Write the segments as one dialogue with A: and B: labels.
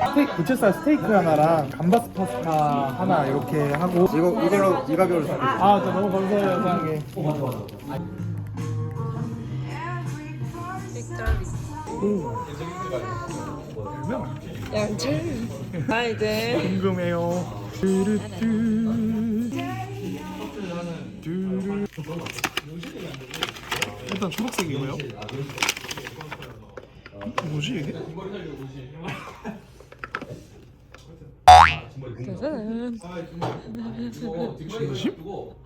A: 부채살 스테이크 하나랑 감바스 파스타 하나 이렇게 하고.
B: 이걸로 이 가격으로 사.
A: 아, 저 너무 감사해요, 사장님.
C: 양철. 아 이제
A: 궁금해요. 뚜루뚜. 일단 초록색이고요. 뭐지 이게?
C: 짜잔.
A: 진심?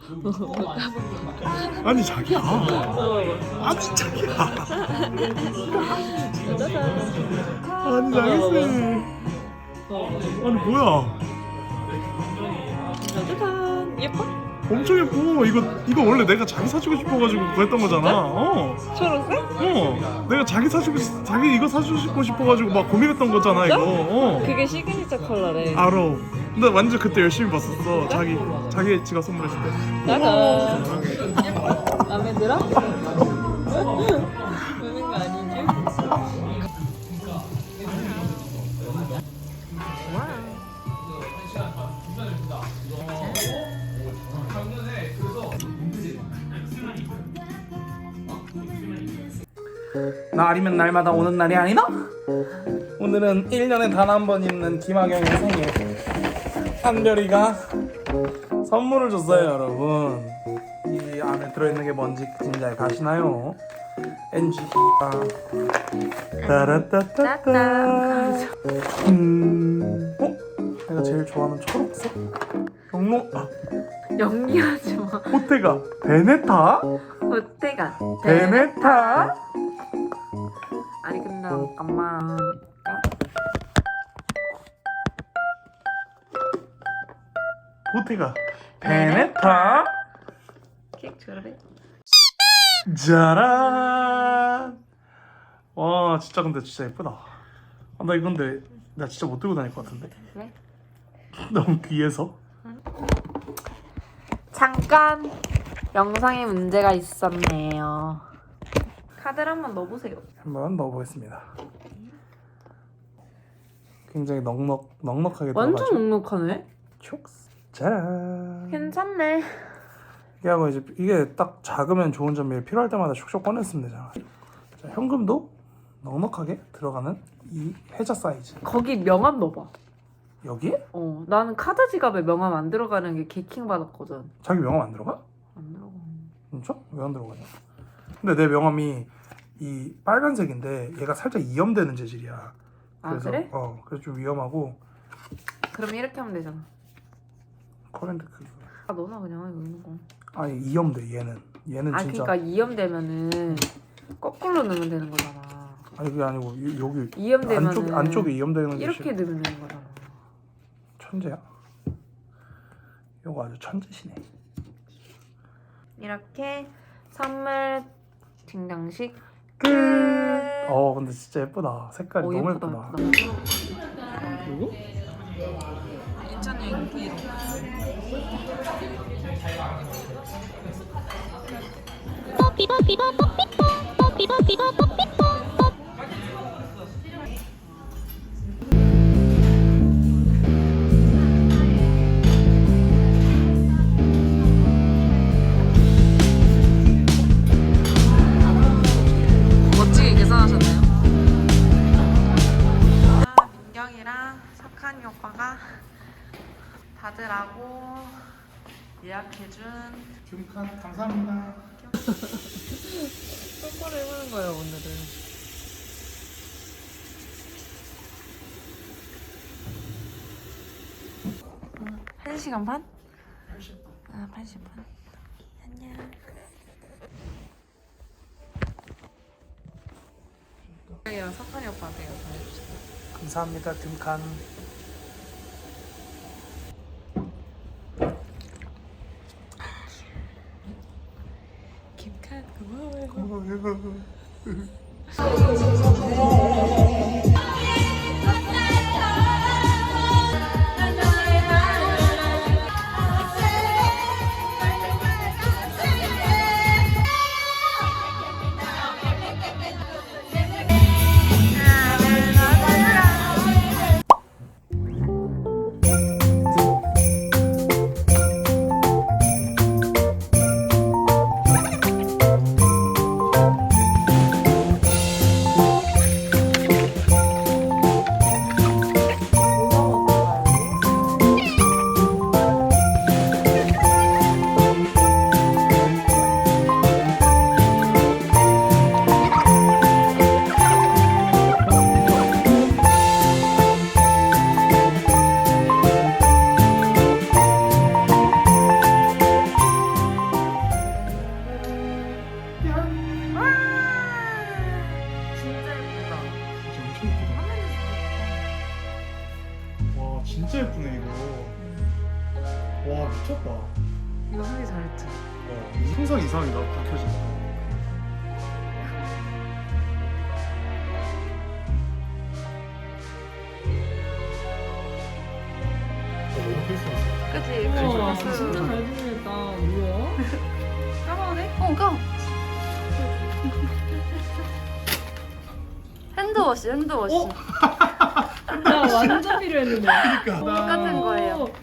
A: 아니 자기야. 아니 자기야. 아니 나겠어. 아니 뭐야?
C: 짜잔. 예뻐?
A: 엄청 예뻐. 이거 원래 내가 자기 사주고 싶어가지고 그거 했던 거잖아.
C: 초록색?
A: 내가 자기 이거 사주고 싶어가지고 막 고민했던 거잖아 이거.
C: 그게 시그니처 컬러래.
A: 알아. 근데 완전 그때 열심히 봤었어. 자기 지가 선물했을 때.
C: 짜잔. 예뻐? 마음에 들어? 우는 거 아니지?
A: 날이면 날마다 오는 날이 아니다? 오늘은 1년에 단 한 번 있는 김학영의 생일. 한별이가 선물을 줬어요 여러분. 이 안에 들어있는 게 뭔지 진짜 가시나요? NG가 따라따따따. 내가 제일 좋아하는 초록색?
C: 영리하지 마.
A: 호텔가 베네타?
C: 어때가?
A: 베네타?
C: 아니 근데 잠깐만.
A: 호텔가 베네타?
C: 케이크 줘래?
A: 짜란. 와 진짜 근데 진짜 예쁘다. 나 이건데 나 진짜 못 들고 다닐 것 같은데.
C: 왜?
A: 너무 귀해서.
C: 잠깐 영상에 문제가 있었네요. 카드를 한번 넣어보세요.
A: 한번 넣어보겠습니다. 굉장히 넉넉하게
C: 완전
A: 들어가죠.
C: 넉넉하네.
A: 촉스. 짜란.
C: 괜찮네.
A: 이게 하고 이제 이게 딱 작으면 좋은 점이 필요할 때마다 슉슉 꺼냈으면 되잖아. 자, 현금도 넉넉하게 들어가는 이 해자 사이즈.
C: 거기 명함 넣어봐.
A: 여기에?
C: 나는 카드 지갑에 명함 안 들어가는 게 개킹 받았거든.
A: 자기 명함 안 들어가?
C: 안 들어가.
A: 진짜? 왜 안 들어가냐? 근데 내 명함이 이 빨간색인데 얘가 살짝 이염되는 재질이야. 그래서,
C: 그래?
A: 그래서 좀 위험하고.
C: 그럼 이렇게 하면 되잖아.
A: 커렌트 그.
C: 너나 그냥 이거 있는 거.
A: 아니 이염돼 얘는 진짜.
C: 그러니까 이염되면은 거꾸로 넣으면 되는 거잖아.
A: 아니 그게 아니고 여기
C: 이염되면은
A: 안쪽에 이염되는
C: 이렇게 넣으면 되는 거잖아.
A: 천재야. 이거 아주 천재시네.
C: 이렇게 선물 증정식
A: 끝. 근데 진짜 예쁘다. 색깔이 너무 예쁘다. 그리고
C: 인천 여행 브이로그. 멋지게 계산하셨네요. 민경이랑 석한이 오빠가 받으라고 예약해준
A: 김칸 감사합니다.
C: 똑바로 해보는 거예요 오늘은. 1시간 반? 80분. 80분. 안녕. 민경이랑 석한이 오빠한테 이거 전해주세요.
A: 감사합니다 김칸.
C: 김칸 고마워요.
A: 와 진짜 예쁘네 이거. 와 미쳤다.
C: 이거 하기 잘했지.
A: 상상 이상이다 밝혀진다. 너무 크리스마스.
C: 그치?
B: 우와,
C: 크리스마스.
B: 진짜 잘 지냈다. 뭐야?
C: 까마네?
D: 까. 핸드워시.
B: 나 완전 필요했는데.
A: 그러니까.
D: 똑같은 거예요.
B: 오.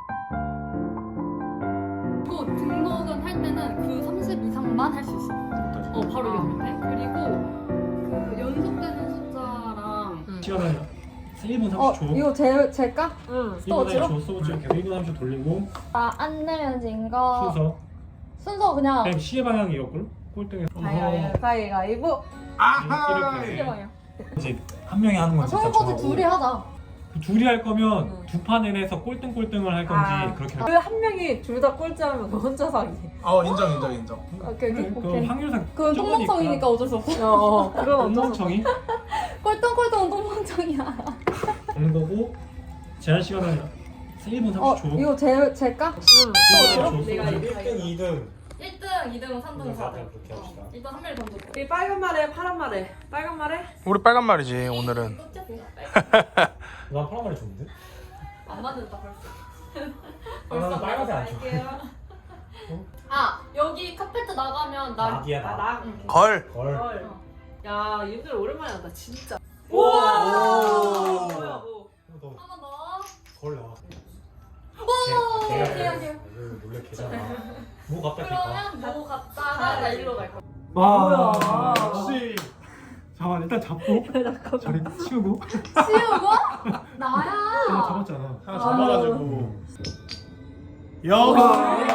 D: 이거 등록은 할 때는 그 30 이상만 할 수 있어. 바로 옆에. 그리고 그 연속되는 숫자랑
E: 시간은 1분 30초.
B: 이거 제일까?
C: 응.
E: 1분 30초 스톱워치 계속 1분 30초 돌리고
D: 안 내면진 거
E: 순서.
D: 그냥
E: 그냥 시계 방향이 이었고 꼴등에
B: 가위가위보.
E: 이렇게 이제 한 명이 하는 건 진짜
D: 설거지
E: 정하고
D: 둘이 하자.
E: 둘이 할 거면 두 판을 해서 꼴등꼴등을 할 건지 그렇게 할
B: 그 한 명이 둘 다 꼴찌하면 너 혼자 사기.
A: 인정.
B: 오케이.
E: 그 확률상
D: 그건 똥멍청이니까 어쩔 수 없어.
B: 그건 어쩔 수 없어.
E: 똥멍청이
D: 꼴똥꼴똥은 똥멍청이야.
E: 오는 거고 제한 시간은 1분 30초.
B: 이거 제일까?
E: 응.
B: 내가
E: 1등, 2등.
D: 1등, 2등, 3등, 4등.
E: 그렇게 합시다.
D: 일단 한 명이 던져.
C: 이 빨간 말에 파란 말에. 빨간 말에?
A: 우리 빨간 말이지 오늘은.
E: 난 파란 말이 좋은데?
D: 안 맞는다 벌써.
E: 나는 빨간색 안 좋아해.
D: 여기 카페트 나가면
E: 낙이야, 낙.
C: 나.
A: 걸.
E: 걸.
C: 헐. 야, 윤들 오랜만에 한다 진짜.
A: 우와.
C: 뭐야 뭐.
E: 너
D: 한 번 더.
E: 걸 나와.
D: 개야.
E: 놀래 개잖아. 뭐 갖다 킬까?
D: 그러면 뭐 갔다가 나 일로 갈 거야.
E: 와, 역시. 잠깐 일단 잡고 자리 치우고.
D: 치우고? 나야.
E: 잡았잖아.
A: 하나 잡아가지고. 역시.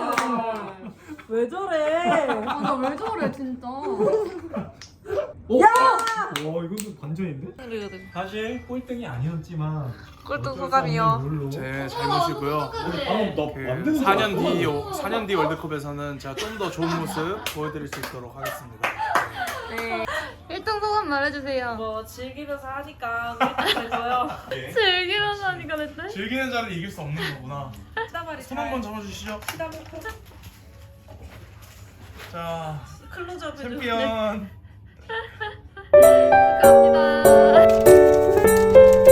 B: 왜 저래?
D: 나 왜 저래 진짜.
E: 와, 이건 반전인데? 사실 꼴등이 아니었지만
C: 꼴등
E: 어쩔 수
C: 소감이요.
E: 없는 룰로.
A: 제 잘못이고요. 그 4년 뒤 월드컵에서는 제가 좀 더 좋은 모습 보여드릴 수 있도록 하겠습니다.
C: 네.
D: 1등 소감 말해주세요.
C: 뭐 즐기면서 하니까 그랬어요.
D: 즐기면서 하니까 됐대?
A: 즐기는 자를 이길 수 없는 거구나.
C: 시다발이
A: 손 한번 잡아주시죠.
C: 시다놓고
A: 자,
C: 클로즈업 해줘.
A: 챔피언.
D: 축하합니다.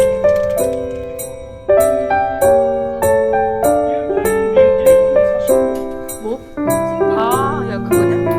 C: 아, 야 그거냐?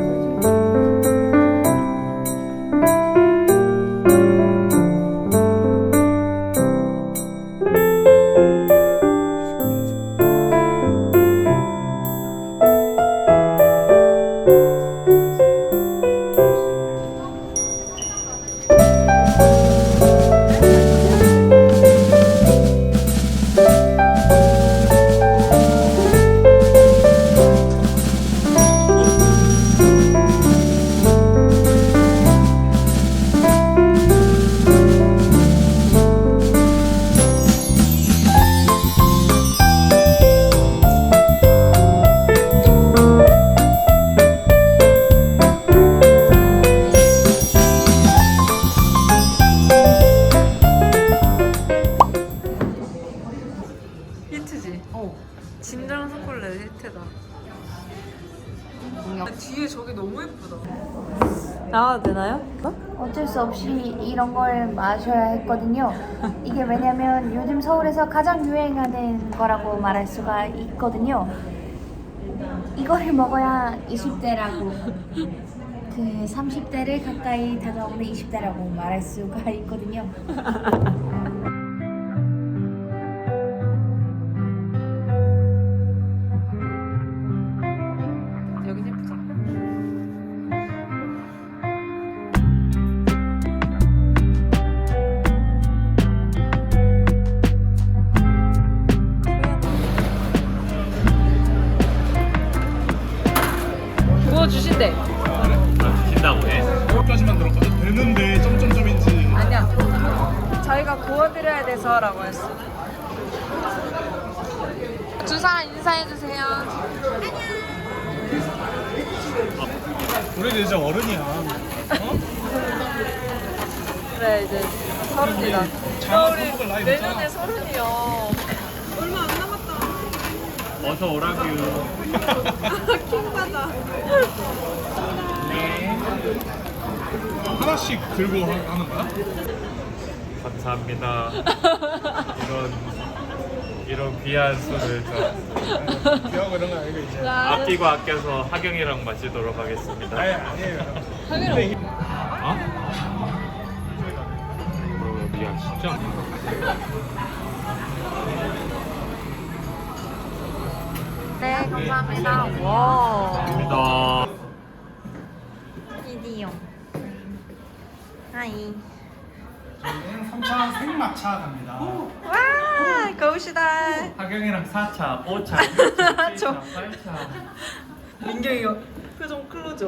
C: 히트지? 진정 초콜릿 히트다. 뒤에 저게 너무 예쁘다. 나와도 되나요?
F: 어쩔 수 없이 이런 걸 마셔야 했거든요. 이게 왜냐면 요즘 서울에서 가장 유행하는 거라고 말할 수가 있거든요. 이거를 먹어야 20대라고 그 30대를 가까이 다가오는 20대라고 말할 수가 있거든요.
C: 여긴 예쁘다. 구워주신대.
E: 주신다고 해.
A: 여기까지만 들어가도 되는데 점점점인지.
C: 아니야. 저희가 구워드려야 돼서라고 했어. 두 사람 인사해주세요.
A: 우리 이제 어른이야.
C: 그래 이제 서른이다. 나 우리 내년에 서른이야.
B: 얼마 안 남았다.
E: 어서 오라규.
B: 킹받아.
A: 하나씩 들고 하는 거야?
E: 감사합니다. 이런 귀한 술을 저
A: 기하고 이런 거 아니고 이제.
E: 아끼고 아껴서 하경이랑 마시도록 하겠습니다.
A: 아니에요.
E: 어? 미안 진짜.
C: 네, 감사합니다. 와.
E: 감사합니다.
C: 이디요. 하이.
A: 저희는 3차 생마차 갑니다.
C: 와, 거우시다.
E: 하경이랑 4차, 5차, 6차, 7차, 8차.
C: 민경이 표정 클로죠.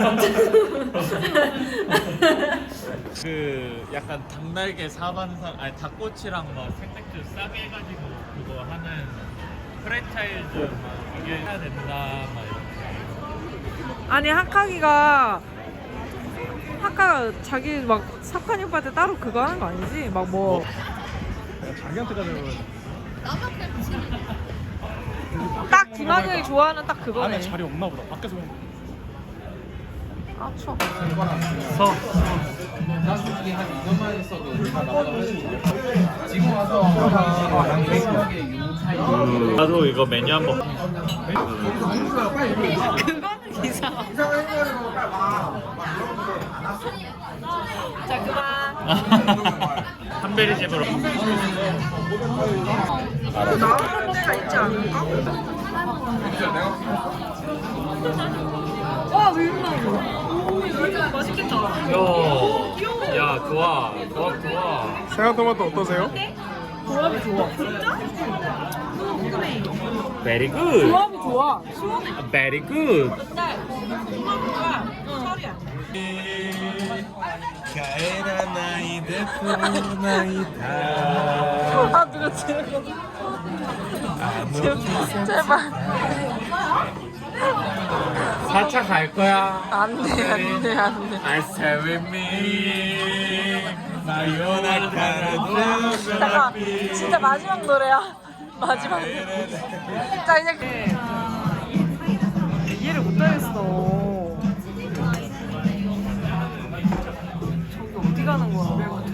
E: 그 약간 닭날개 사반상 아니 닭꼬치랑 막 생맥주 싸게 해가지고 그거 하는 프랜차이즈 막 이게 해야 된다 막 이렇게.
C: 아니 하카가 자기 막 석환이 오빠한테 따로 그거 하는 거 아니지? 막 뭐.
A: 자기한테 가자고.
C: 딱 김학영이 좋아하는 딱 그거네.
A: 안에 자리 없나 보다. 밖에서 보면.
C: 아 추워.
E: 서. 나도 이거 메뉴 한번.
C: 그거는 이상하. 자 그만.
E: 한베리 집으로.
C: 나오는 데가 있지 않을까? 와 밀나. 맛있겠다.
E: 야 좋아. 좋아.
A: 생각토마토 어떠세요?
C: 조합이 좋아. 진짜?
E: Very good.
C: 조합이 좋아. 시원해.
E: Very good.
A: 가에라 나이 데코 나이다.
C: 아 누가 지금 제발
E: 4차 갈 거야.
C: 안돼.
E: I stay with me.
C: 잠깐 진짜 마지막 노래야. 마지막 노래. 자 이제 이해를 못하겠어. 저기 어디 가는 거야?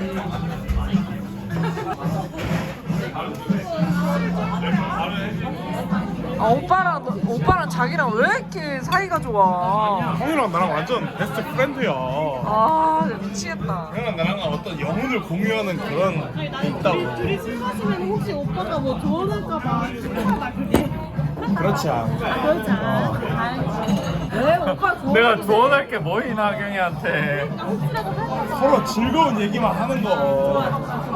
C: 아 오빠랑 자기랑 왜 이렇게 사이가 좋아?
A: 형이랑 나랑 완전 베스트 프렌드야.
C: 아 진짜 미치겠다.
A: 형이랑 나랑 어떤 영혼을 공유하는 그런 게 있다고.
B: 둘이 술 마시면 혹시 오빠가 뭐 조언할까봐 불편하다 그게.
A: 그렇지 않아.
B: 그렇지 않아.
C: 왜 오빠 좋아?
E: 내가 조언할 게 뭐 있나 하경이한테.
A: 서로 즐거운 얘기만 하는 거.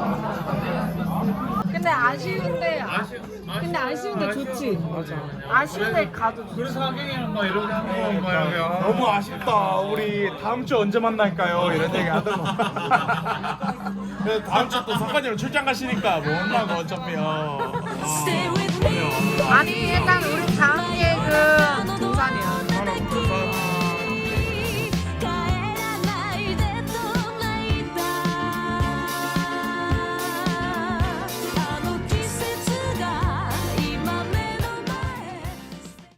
C: 근데 아쉬운데 좋지. 맞아. 아쉬운데 가도 좋지.
E: 그래서 하경이랑 막 이렇게 하는 거 막
A: 너무 아쉽다. 우리 다음 주 언제 만날까요? 이런 얘기 하더만. 그래서 다음 주 또 석관이랑 출장 가시니까 못 만나고 어차피요.
C: 아니 일단 우리